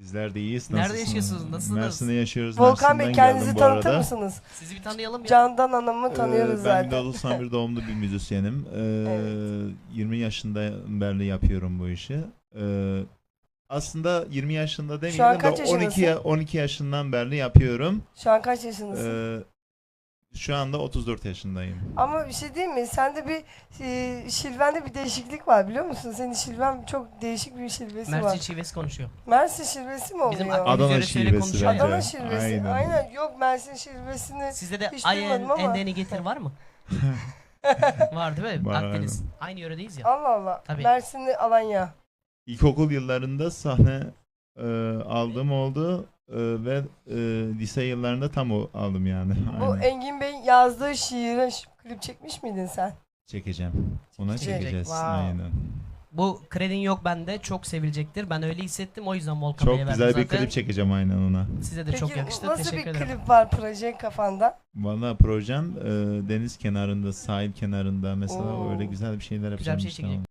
Bizler de iyiyiz. Nerede Nasılsınız? yaşıyorsunuz? Nasılsınız? Mersin'de yaşıyoruz. Volkan Bey, Mersin'den kendinizi geldim bu tanıtır arada. mısınız? Sizi bir tanıyalım ya. Candan Hanım'ı tanıyoruz Ben zaten. 1991 doğumlu bir müzisyenim. Evet. 20 yaşından beri yapıyorum bu işi. Aslında 20 yaşında Şu an demeyelim kaç de yaşındasın? 12 yaşından beri yapıyorum. Şu an kaç yaşındasın? Şu anda 34 yaşındayım. Ama bir şey değil mi? Sende bir şivende bir değişiklik var, biliyor musun? Senin şiven çok değişik bir şivesi Mersin var. şivesi konuşuyor. Mersin şivesi mi oluyor? Bizim Akdeniz Adana yöresiyle şivesi konuşuyor. bence. Adana şivesi. Aynen. Aynen. Yok, Mersin şivesini Sizde de hiç ayen, duymadım ama. endeni getir var mı? Var değil mi? Var, Akdeniz. Aynı yöredeyiz ya. Allah Allah. Tabii. Mersinli Alanya. İlkokul yıllarında sahne aldığım oldu ve lise yıllarında tam aldım yani. Bu Aynen. Engin Bey'in yazdığı şiire klip çekmiş miydin sen? Çekeceğim. Ona Çekecek. çekeceğiz. Wow. Aynen. Bu kredin yok bende. Çok sevilecektir. Ben öyle hissettim. O yüzden Volkan Bey'e Çok verdim güzel bir zaten. klip çekeceğim aynen ona. Size de Peki çok yakıştı. nasıl Teşekkür bir ederim. klip var proje kafanda? Valla projem deniz kenarında, sahil kenarında mesela Oo. öyle güzel bir şeyler Güzel yapacağım bir şey işte. çekecek.